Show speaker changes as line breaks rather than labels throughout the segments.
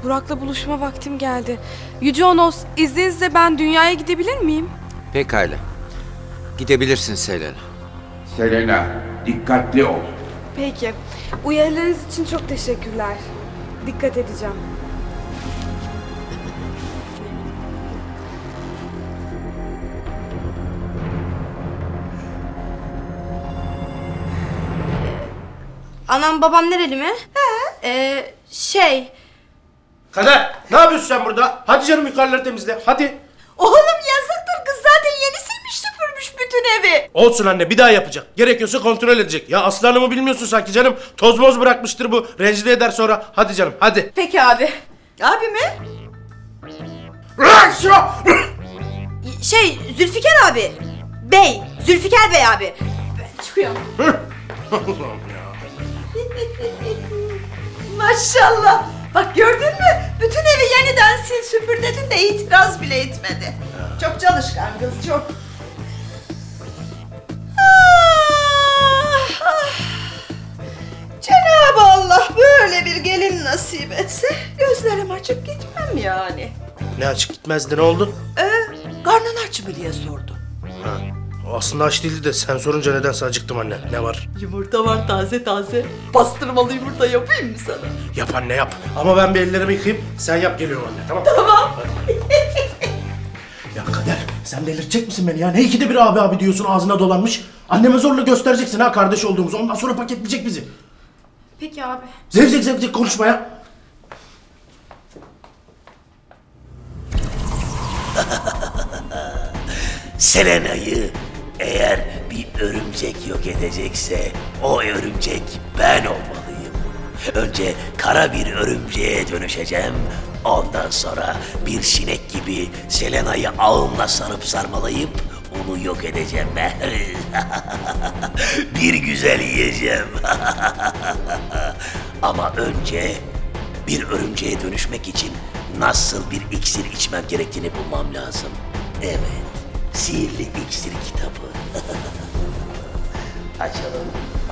Burak'la buluşma vaktim geldi. Yüce Onos, izninizle ben dünyaya gidebilir miyim?
Pekala. Gidebilirsin Selena.
Selena, dikkatli ol.
Peki. Uyarılarınız için çok teşekkürler. Dikkat edeceğim.
Anam babam nereli mi?
Kader, ne yapıyorsun sen burada? Hadi canım yukarıları temizle, hadi.
Oğlum yazıktır, kız zaten yeni silmiş süpürmüş bütün evi.
Olsun anne, bir daha yapacak. Gerekiyorsa kontrol edecek. Ya Aslı Hanım'ı bilmiyorsun sanki canım. Toz moz bırakmıştır bu. Rencide eder sonra. Hadi canım, hadi.
Peki abi. Abi mi?
Zülfikar abi. Zülfikar Bey abi.
Ben çıkıyorum. Maşallah. Bak gördün mü? Bütün evi yeniden sil süpür dedin de itiraz bile etmedi. Çok çalışkan kız, çok. Cenab-ı Allah böyle bir gelin nasip etse gözlerim açık gitmem yani.
Ne açık gitmezdi, ne oldu?
Karnın aç mı diye sordu.
Ha, o aslında aç değildi de sen sorunca nedense acıktım anne. Ne var?
Yumurta var taze taze. Pastırmalı yumurta yapayım mı sana?
Yap anne yap. Ama ben bir ellerimi yıkayayım. Sen yap, geliyorum anne, tamam?
Tamam.
Ya Kader, sen delirtecek misin beni ya? Ne ikide bir abi abi diyorsun, ağzına dolanmış. Anneme zorla göstereceksin ha kardeş olduğumuzu. Ondan sonra paketleyecek bizi.
Peki abi.
Zevzek zevzek konuşma ya.
Selena'yı eğer bir örümcek yok edecekse o örümcek ben olmalıyım. Önce kara bir örümceğe dönüşeceğim. Ondan sonra bir sinek gibi Selena'yı ağımla sarıp sarmalayıp onu yok edeceğim. Bir güzel yiyeceğim. Ama önce bir örümceğe dönüşmek için nasıl bir iksir içmem gerektiğini bulmam lazım. Evet, sihirli iksir kitabı. Açalım.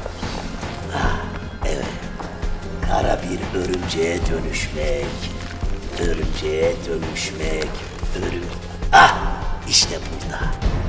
Evet, kara bir örümceğe dönüşmek. Örümceğe dönüşmek. İşte burada.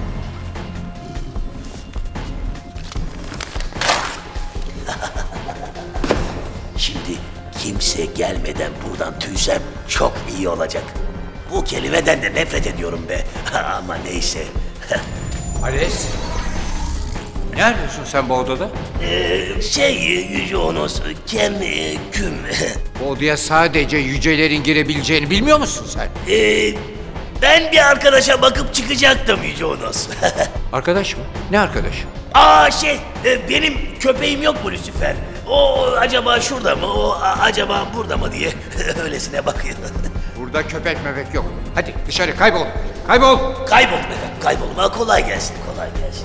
Şimdi kimse gelmeden buradan tüysem çok iyi olacak. Bu kelimeden de nefret ediyorum be. Ama neyse.
Ales. Ne arıyorsun sen bu odada?
Yüce Onos, küm.
Bu odaya sadece yücelerin girebileceğini bilmiyor musun sen?
Ben bir arkadaşa bakıp çıkacaktım Yüce Onos.
Arkadaş mı? Ne arkadaş?
Benim köpeğim yok mu Lucifer? O acaba şurada mı, o acaba burada mı diye öylesine bakıyor.
Burada köpek mebek yok. Hadi dışarı kaybol. Kaybol.
Kayboldum efendim, kaybolma. Kolay gelsin, kolay gelsin.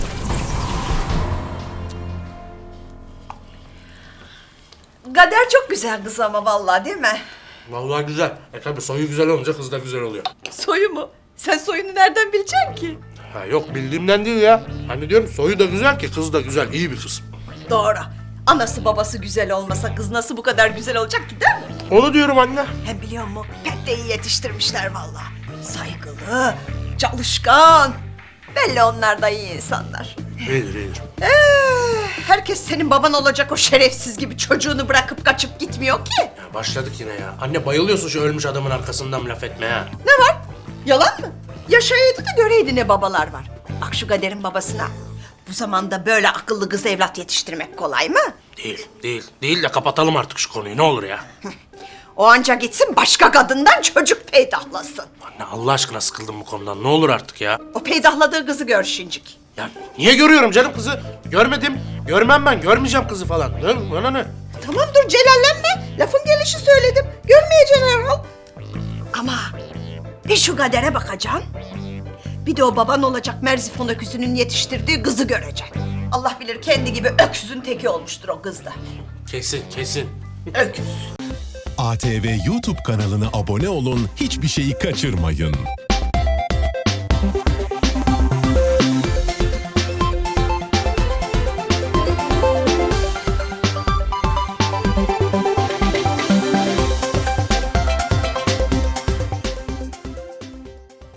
Kader çok güzel kız ama vallahi, değil mi?
Vallahi güzel. Tabii soyu güzel olunca kız da güzel oluyor.
Soyu mu? Sen soyunu nereden bileceksin ki?
Ha yok, bildiğimden değil ya. Hani diyorum soyu da güzel ki kız da güzel, iyi bir kız.
Doğru. Anası babası güzel olmasa kız nasıl bu kadar güzel olacak ki, değil mi?
Onu diyorum anne.
Hem biliyor musun? Pek de iyi yetiştirmişler vallahi. Saygılı, çalışkan. Belli onlar da iyi insanlar.
İyidir iyidir.
Herkes senin baban olacak o şerefsiz gibi çocuğunu bırakıp kaçıp gitmiyor ki.
Ya başladık yine ya. Anne bayılıyorsun şu ölmüş adamın arkasından laf etmeye ha.
Ne var? Yalan mı? Yaşayaydı da göreydi ne babalar var. Bak şu Kader'in babasına. Bu zamanda böyle akıllı kız evlat yetiştirmek kolay mı?
Değil de kapatalım artık şu konuyu, ne olur ya.
O anca gitsin başka kadından çocuk peydahlasın.
Anne Allah aşkına sıkıldım bu konudan, ne olur artık ya.
O peydahladığı kızı gör şincik.
Ya niye görüyorum canım kızı? Görmedim. Görmem ben, görmeyeceğim kızı falan. Bana ne?
Tamam dur celallenme. Lafın gelişi söyledim. Görmeyeceksin herhal. Ama bir şu Kader'e bakacaksın. Bir de o baban olacak Merzifon öküzünün yetiştirdiği kızı göreceksin. Allah bilir kendi gibi öküzün teki olmuştur o kız da.
Kesin.
Öküz.
ATV YouTube kanalına abone olun, hiçbir şeyi kaçırmayın.